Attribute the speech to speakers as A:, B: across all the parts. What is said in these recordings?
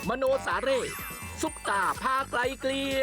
A: มโนสาเร่ซุปตาพาไกลเกลีย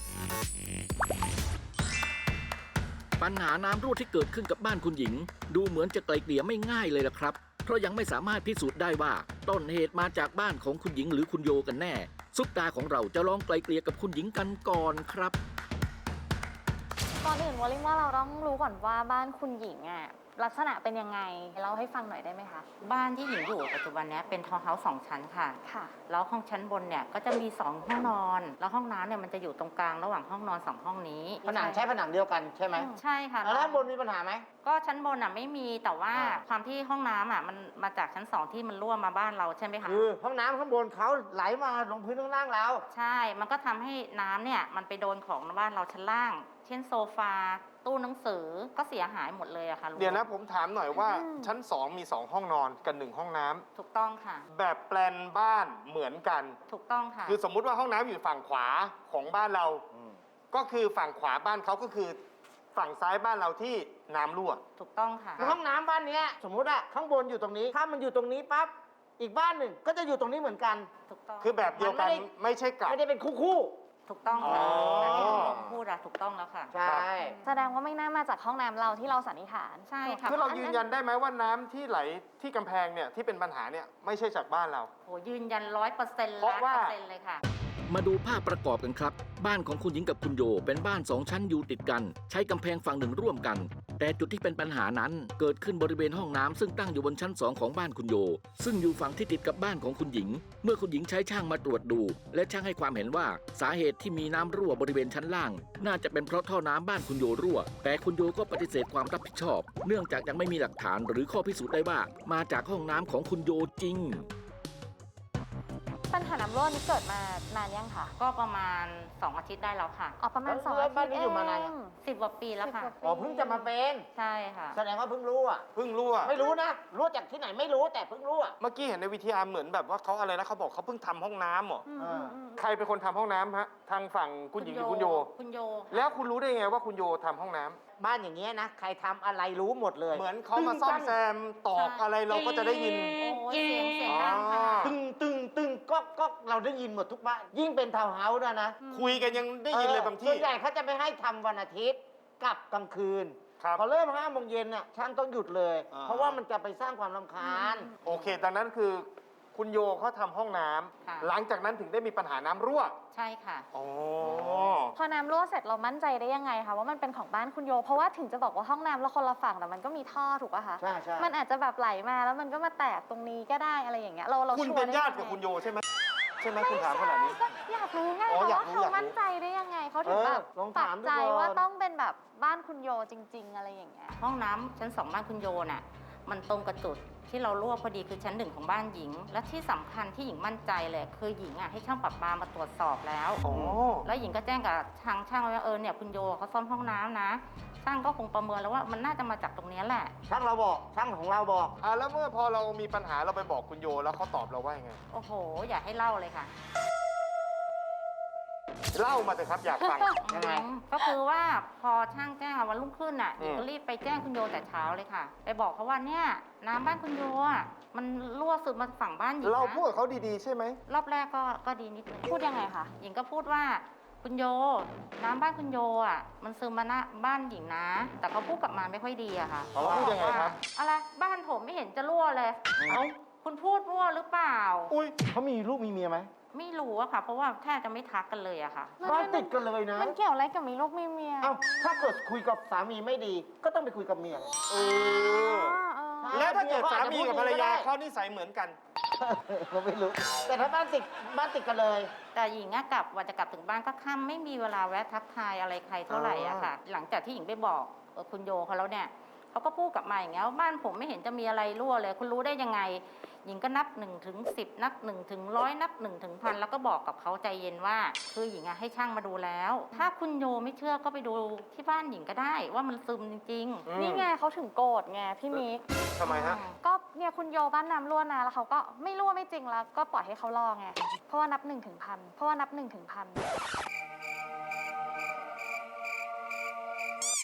A: ปัญหาน้ำรั่วที่เกิดขึ้นกับบ้านคุณหญิงดูเหมือนจะไกลเกลี่ยไม่ง่ายเลยล่ะครับเพราะยังไม่สามารถพิสูจน์ได้ว่าต้นเหตุมาจากบ้านของคุณหญิงหรือคุณโยกันแน่ซุปตาของเราจะลองไกลเกลี่ยกับคุณหญิงกันก่อนครับ
B: ก่อนอื่นวอลลิงว่าเราต้องรู้ก่อนว่าบ้านคุณหญิงลักษณะเป็นยังไงเล่าให้ฟังหน่อยได้ไหมคะ
C: บ้านที่หญิงอยู่ปัจจุบันนี้เป็นทาวน์เฮาส์2 ชั้นค่ะ
B: ค่ะ
C: แล้วห้องชั้นบนเนี่ยก็จะมี2ห้องนอน แล้วห้องน้ำเนี่ยมันจะอยู่ตรงกลางระหว่างห้องนอน2ห้องนี้
D: ผนังใช้ผนังเดียวกันใช่ไหม
C: ใช่ค่ะ
D: แล้วด้านบนมีปัญหาไหม
C: ก็ชั้นบนไม่มีแต่ว่าความที่ห้องน้ำมันมาจากชั้น2ที่มันรั่วมาบ้านเราใช่ไหมคะ
D: คือห้องน้ำข้างบนเขาไหลมาลงพื้นข้างล่างเรา
C: ใช่ มันก็ทำให้น้ำเนี่ยมันไปโดนของบ้านเราชั้นล่าง เช่นโซฟาตู้หนังสือก็เสียหายหมดเลยอะค่ะลุง
E: เดี๋ยวนะผมถามหน่อยว่าชั้น 2 มี 2 ห้องนอนกัน1ห้องน้ำ
C: ถูกต้องค่ะ
E: แบบแปลนบ้านเหมือนกัน
C: ถูกต้องค่ะ
E: คือสมมุติว่าห้องน้ำอยู่ฝั่งขวาของบ้านเรา ก็คือฝั่งขวาบ้านเขาก็คือฝั่งซ้ายบ้านเราที่น้ำรั่ว
C: ถูกต้องค่ะ
D: ห้องน้ำบ้านเนี้ยสมมุติอะข้างบนอยู่ตรงนี้ ถ้ามันอยู่ตรงนี้ปั๊บอีกบ้านหนึ่งก็จะอยู่ตรงนี้เหมือนกัน
C: ถูกต้อง
E: คือแบบเดียวกันไม่ใช่กลับ
D: ไม่ได้เป็นคู่
C: ถูกต้องค่ะ
E: อ๋อ
C: แบบที่ผมพูดถูกต้องแล้วค่ะ
D: ๆใช่
B: แสดงว่าไม่น่ามาจากห้องน้ำเราที่เราสันนิษฐาน
C: ใช่ค่ะ
E: คือเรายืนยันได้ไหมว่าน้ำที่ไหลที่กำแพงเนี่ยที่เป็นปัญหาเนี่ยไม่ใช่จากบ้านเรา
C: โหยืนยัน100%
E: เพราะว่า
C: 100%เลยค่ะ
A: มาดูภาพประกอบกันครับบ้านของคุณหญิงกับคุณโยเป็นบ้าน2ชั้นอยู่ติดกันใช้กำแพงฝั่งหนึ่งร่วมกันแต่จุดที่เป็นปัญหานั้นเกิดขึ้นบริเวณห้องน้ำซึ่งตั้งอยู่บนชั้น2ของบ้านคุณโยซึ่งอยู่ฝั่งที่ติดกับบ้านของคุณหญิงเมื่อคุณหญิงใช้ช่างมาตรวจดูและช่างให้ความเห็นว่าสาเหตุที่มีน้ำรั่วบริเวณชั้นล่างน่าจะเป็นเพราะท่อน้ำบ้านคุณโยรั่วแต่คุณโยก็ปฏิเสธความรับผิดชอบเนื่องจากยังไม่มีหลักฐานหรือข้อพิสูจน์ได้ว่ามาจากห้องน้ำของคุณโยจริง
B: ปัญหาน้ำรั่วนี้เกิดมานานยังคะ
C: ก็ประมาณ2 อาทิตย์ได้แล้วค่ะ
B: อ๋อประมาณ
D: แล้ว
B: 2 อาทิ
D: บ้าน
B: ตย์
D: นี้
B: เอ
D: อยู่มานาน
B: ง
D: ยัง
C: 10 กว่าปีแล้วค่ะ
B: 10 กว่าปี
D: อ๋อเพิ่งจะมาเป็น
C: ใช่ค่ะ
D: แสดงว่าเพิ่งรู้อะ
E: เพิ่งรั่ว
D: ไม่รู้นะรู้จากที่ไหนไม่รู้แต่เพิ่งรู้อะ
E: เมื่อกี้เห็นในวิทยาเหมือนแบบว่าเขาอะไรนะเขาบอกเขาเพิ่งทำห้องน้ำเหรอ ใครเป็นคนทำห้องน้ำฮะทางฝั่งคุณหญิงหรือคุณโย
C: คุณโยค่ะ
E: แล้วคุณรู้ได้ไงว่าคุณโยทำห้องน้ำ
D: บ้านอย่างเงี้ยนะใครทำอะไรรู้หมดเลย
E: เหมือนเขามาซ่อมแซมตอกอะไรเราก็จะได้ยิน
C: โอ้ยเสียงดังค่ะ
D: ตึงก็เราได้ยินหมดทุกบ้านยิ่งเป็นทาวน์เฮาส์ด้วยนะ
E: คุยกันยังได้ยินเลยบางที่
D: ส่วนใหญ่เขาจะไม่ให้ทำวันอาทิตย์กับกลางคืน
E: ครับ
D: พอเริ่ม5 โมงเย็นน่ะช่างต้องหยุดเลย
E: อ่า
D: เพราะว่ามันจะไปสร้างความรำคาญ
E: โอเคดังนั้นคือคุณโยเขาทำห้องน้ำ
C: ค่ะ
E: หลังจากนั้นถึงได้มีปัญหาน้ำรั่ว
C: ใช่ค่ะ
E: อ๋อ
B: พอน้ำรั่วเสร็จเรามั่นใจได้ยังไงคะว่ามันเป็นของบ้านคุณโยเพราะว่าถึงจะบอกว่าห้องน้ำเราคนละฝั่งแต่มันก็มีท่อถูกป่ะคะ
D: ใช่ใช่
B: มันอาจจะแบบไหลมาแล้วมันก็มาแตกตรงนี้ก็ได้อะไรอย่างเงี้ยเรา
E: คุณ
B: ชัวร์
E: เป็น
B: ได้
E: ญาติ
B: งไง
E: กับคุณโยใช่ไหมใช่ไหม
B: ไม่
E: คุณถามขนาดนี้
B: ก็อยากรู้ไง
E: อ๋อ
B: เพราะ
E: อยาก
B: ว่า
E: รู้
B: เขามั่นใจได้ยังไงเขาถึงแบบ
D: ลอง
B: ปั
D: ถาก มดู
B: ใจ
D: ก่อน
B: ว่าต้องเป็นแบบบ้านคุณโยจริง ๆ อะไรอย่างเงี้ย
C: ห้องน้ำชั้น 2 บ้านคุณโยน่ะมันตรงกับจุดที่เรารั่วพอดีคือชั้น 1ของบ้านหญิง และที่สำคัญที่หญิงมั่นใจเลยคือหญิงให้ช่างประปามาตรวจสอบแล้ว
E: อ๋อ
C: แล้วหญิงก็แจ้งกับช่างไว้ว่าเนี่ยคุณโยเขาซ่อมห้องน้ำนะช่างก็คงประเมินแล้วว่ามันน่าจะมาจากตรงนี้แหละ
D: ช่างเราบอกช่างของเราบอก
E: แล้วเมื่อพอเรามีปัญหาเราไปบอกคุณโยแล้วเขาตอบเราว่ายังไง
C: โอ้โห อย่าให้เล่าเลยค่ะ
E: เล่ามาเถอะครับอยากฟัง
D: ยังไง
C: ก็คือว่าพอช่างแจ้งวันรุ่งขึ้นหญิงก็รีบไปแจ้งคุณโยแต่เช้าเลยค่ะ ไปบอกเขาว่าเนี่ยน้ำบ้านคุณโยมันรั่วซึมมาฝั่งบ้านหญิงนะ
E: เราพูดกับเขาดีๆใช่ไหม
C: รอบแรกก็ดีนิดนึง
B: พูดยังไงคะ
C: หญิงก็พูดว่าคุณโยน้ำบ้านคุณโยมันซึมมาหน้าบ้านหญิงนะ แต่เขาพูดกลับมาไม่ค่อยดีอะค่ะ
E: เขาพูดยังไงครับ
C: อะไรบ้านผมไม่เห็นจะรั่วเลย
D: เอ้า
C: คุณพูดรั่วหรือเปล่า
E: อุ้ย
D: เขามีลูกมีเมียไหม
C: ไม่รู้อะค่ะ เพราะว่าแทบจะไม่ทักกันเลยอะค่ะ
D: บ้านติดกันเลยนะ
B: มันเกี่ยวอะไรกับมีลูกมีเมีย
D: เอ้าถ้าเกิดคุยกับสามีไม่ดี ก็ต้องไปคุยกับเมีย
E: เออ แล้วถ้าเกิดสามีกับภรรยาเขานิสัยเหมือนกัน
D: เราไม่รู้ แต่ถ้าบ้านติดกันเลย
C: แต่หญิงกลับว่าจะกลับถึงบ้านก็ค่ำไม่มีเวลาแวะทักทายอะไรใครเท่าไหร่อะค่ะ หลังจากที่หญิงไปบอกคุณโยเขาแล้วเนี่ยเขาก็พูดกลับมาอย่างเงี้ยว่าบ้านผมไม่เห็นจะมีอะไรรั่วเลย คุณรู้ได้ยังไง หญิงก็นับ1 ถึง 10 นับ1 ถึง 100 นับ1 ถึง 1,000แล้วก็บอกกับเขาใจเย็นว่าคือหญิงให้ช่างมาดูแล้ว ถ้าคุณโยไม่เชื่อก็ไปดูที่บ้านหญิงก็ได้ว่ามันซึมจริง
B: นี่ไงเขาถึงโกรธไงพี่มิก
E: ทำไมฮะ
B: ก็เนี่ยคุณโยบ้านน้ำรั่วนะแล้วเขาก็ไม่รั่วไม่จริงแล้วก็ปล่อยให้เขารอไงเพราะว่านับ1 ถึง 1,000เพราะว่านับ1 ถึง 1,000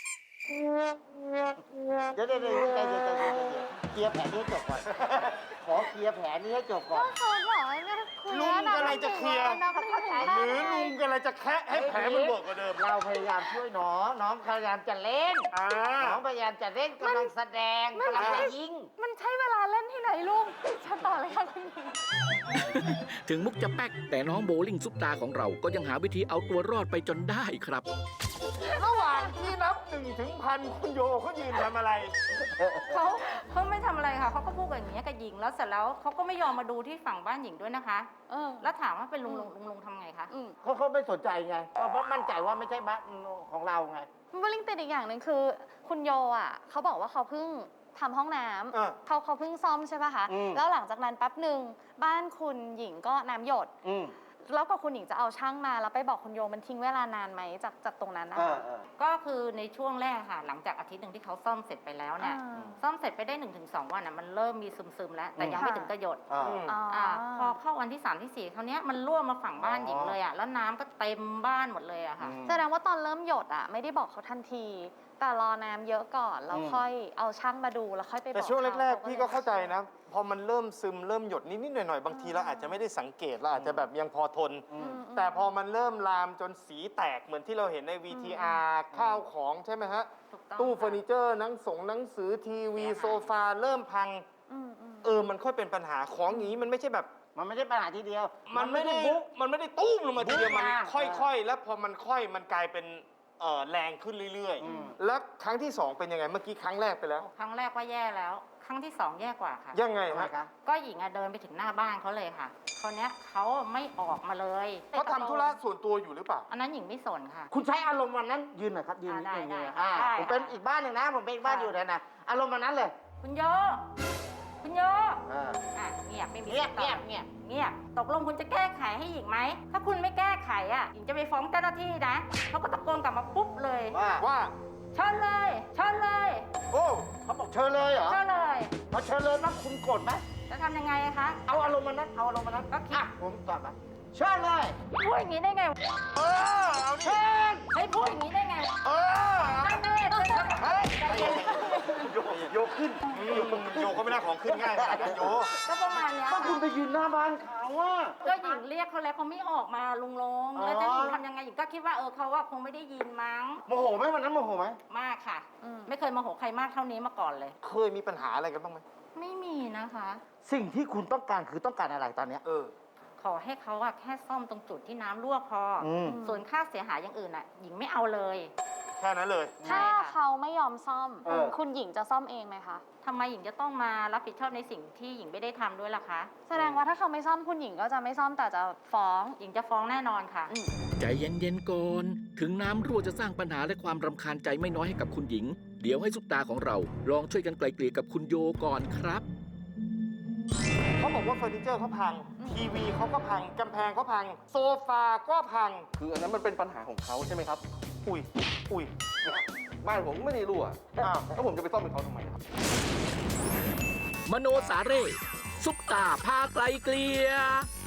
D: เดี๋ยวเคลียร์แผนนี้ให้จบก่อน ขอเคลียร์แผนนี้ให้จบก่อน
B: ก็เขาบอกว่าเนี่ยคุย
E: ลุง
B: แล้ว
E: กำลังจะเคลียร์
B: นับหนึ่งถึงห้า
E: หรือลุงกำลังจะแคะให้แผลมันบวกกว่าเดิม
D: เราพยายามช่วยน้อง น้องพยายามจะเล่น
E: อ่า
D: น้องพยายามจะเล่นกำลังแสดงกำลังจะยิง
B: มันใช้เวลาเล่นที่ไหนลุงเชิญต่อเลยค่ะคุณหญิง
A: ถึงมุกจะแป๊กแต่น้องโบลิ่งซุปตาของเราก็ยังหาวิธีเอาตัวรอดไปจนได้ครับ
E: ระหว่างที่นับ1 ถึง 1,000คุณโยเขายืนทำอะไร
C: เขาไม่ทำอะไรค่ะเขาก็พูดอย่างนี้ยกับหญิงแล้วเสร็จแล้วเขาก็ไม่ยอมมาดูที่ฝั่งบ้านหญิงด้วยนะคะ แล้วถามว่าเป็นลุงทำไงคะ
D: เขาไม่สนใจไงเพราะมั่นใจว่าไม่ใช่บ้านของเราไง
B: โบลิ่งติดอีกอย่างหนึ่งคือ คุณโยอ่ะเขาบอกว่าเขาเพิ่งทำห้องน้
E: อ่า
B: ำเขาเพิ่งซ่อมใช่ป่ะคะ
D: อืม
B: แล้วหลังจากนั้นแป๊บหนึ่งบ้านคุณหญิงก็น้ำหยด แล้วก็คุณหญิงจะเอาช่างมาแล้วไปบอกคุณโยมันทิ้งเวลานานไหมจากตรงนั้นนะคะ
C: ก็คือในช่วงแรกค่ะ หลังจากอาทิตย์หนึ่งที่เขาซ่อมเสร็จไปแล้วเนี่ย ซ่อมเสร็จไปได้ 1-2 วันอ่ะมันเริ่มมีซึมๆแล้ว แต่ยังไม่ถึงกระหยด พอเข้าวันที่ 3 ที่ 4คราวเนี้ยมันรั่วมาฝั่งบ้านหญิงเลยอ่ะแล้วน้ำก็เต็มบ้านหมดเลยอะค่ะ
B: แสดงว่าตอนเริ่มหยดอ่ะไม่ได้บอกเขาทันที แต่รอน้ำเยอะก่อนแล้วค่อยเอาช่างมาดูแล้วค่อยไปบอก
E: แต่ช่วงแรก
B: ข
E: ๆ พี่ก็เข้าใจนะ พอมันเริ่มซึมเริ่มหยดนิดๆหน่อยๆ บางทีเราอาจจะไม่ได้สังเกตเราอาจจะแบบยังพอทน แต่พอมันเริ่มลามจนสีแตกเหมือนที่เราเห็นใน VTR ข้าวของใช่ไหมฮะ
C: ถูกต้อง
E: ตู้เฟอร์นิเจอร์หนังสือทีวีโซฟาเริ่มพัง มันค่อยเป็นปัญหาของอย่างนี้มันไม่ใช่แบบ
D: มันไม่ได้ปัญหาทีเดียว
E: มันไม่ได้
D: บุ๊ก
E: ตุ้มลงมาทีเดียว
D: บุ๊ก
E: มัน
D: มา
E: ค่อยๆ แล้วพอมันค่อยมันกลายเป็นแรงขึ้นเรื่อยๆ แล้วครั้งที่ 2 เป็นยังไงเมื่อกี้ครั้งแรกไปแล้ว
C: ครั้งแรกว่าแย่แล้ว ครั้งที่ 2 แย่กว่าค่ะ
E: ยังไง
D: ทำไม
E: ฮะ
D: คะ
C: ก็หญิงอะเดินไปถึงหน้าบ้านเขาเลยค่ะคราวเนี้ยเขาไม่ออกมาเลย
E: เขาทำธุระส่วนตัวอยู่หรือเปล่า
C: อันนั้นหญิงไม่สนค่ะ
D: คุณใช้อารมณ์วันนั้นยืนหน่อยครับยืนนิดนึง
C: ได้
D: ยืน
C: ได้ได้
D: ผมเป็นอีกบ้านหนึ่งนะผมเป็นอีกบ้าน
C: ค่ะ
D: อยู่นะอารมณ์วันนั้นเลย
C: คุณโย คุณโย
D: อ่า
C: เงียบไม่มี
D: เงียบ
C: ติดต่อ
D: เงียบ
C: เงียบตกลงคุณจะแก้ไขให้หญิงไหม ถ้าคุณไม่แก้ไขอ่ะหญิงจะไปฟ้องเจ้าหน้าที่นะเขาก็ตะโกนกลับมาปุ๊บเลย
E: ว่า
C: เชิญเลยเชิญเลย
E: โอ้
D: เขาบอกเชิญเลยเหรอ
C: เชิญเลย
D: พอเชิญเลยนะคุณโกรธไหม
C: จะทำยังไงอะคะ
D: เอาอารมณ์วันนั้นเอาอารมณ์วันนั้น
C: ก็คิด
D: อ่ะผมตอบมาเชิญเลย
C: พูดอย่างนี้ได้ไง
E: เอาดิ
D: เชิญ
C: เฮ้ยพูดอย่างนี้ได้ไง นั่นแน่เชิญครับ
E: เฮ้ยโยขึ้นโยเขาไม่น่าของขึ้นง่ายขนาดนั้นโย
C: ก็ประมาณเนี้ย
D: ก็
C: ค่ะ
D: คุณไปยืนหน้าบ้านเขาอะ
C: ก็หญิงเรียกเขาแล้วเขาไม่ออกมาลุงลง แล้วจะหญิงทำยังไงหญิงก็คิดว่าเขาว่าคงไม่ได้ยินมั้ง
D: โมโหไหมวันนั้นโมโหไหม
C: มากค่ะ ไม่เคยโมาโหใครมากเท่านี้มาก่อนเลย
E: เคยมีปัญหาอะไรกันบ้างไหม
C: ไม่มีนะคะ
D: สิ่งที่คุณต้องการคือต้องการอะไรตอนเนี้ย
C: ขอให้เขาอะแค่ซ่อมตรงจุดที่น้ำรั่วพออ
D: ม
C: ส่วนค่าเสียหายอย่างอื่นอะหญิงไม่เอาเลย
E: แค่นั้นเลย
B: ถ้า
C: ใช่ค่ะ
B: เขาไม่ยอมซ่อม
D: เออ
B: คุณหญิงจะซ่อมเองไหมคะ
C: ทำไมหญิงจะต้องมารับผิดชอบในสิ่งที่หญิงไม่ได้ทำด้วยล่ะคะ
B: แสดงว่าถ้าเขาไม่ซ่อมคุณหญิงก็จะไม่ซ่อมแต่จะฟ้อง
C: หญิงจะฟ้องแน่นอนค่ะ
A: ใจเย็นๆก่อน ถึงน้ำรั่วจะสร้างปัญหาและความรำคาญใจไม่น้อยให้กับคุณหญิง เดี๋ยวให้ซุปตาของเราลองช่วยกันไกลเกลี่ยกับคุณโยก่อนครับ
E: เขาบอกว่าเฟอร์นิเจอร์เขาพัง ทีวีเขาก็พัง กำแพงเขาพัง โซฟาก็พัง
F: คืออันนั้นมันเป็นปัญหาของเขาใช่ไหมครับ
E: อุ้ย
F: บ้านผมไม่ได้รั่ว
E: อ้าว
F: แล้วผมจะไปซ่อมเป็นเขาทำไมครับ
A: มโนสาเร่ซุปตาพาไกลเกลี่ย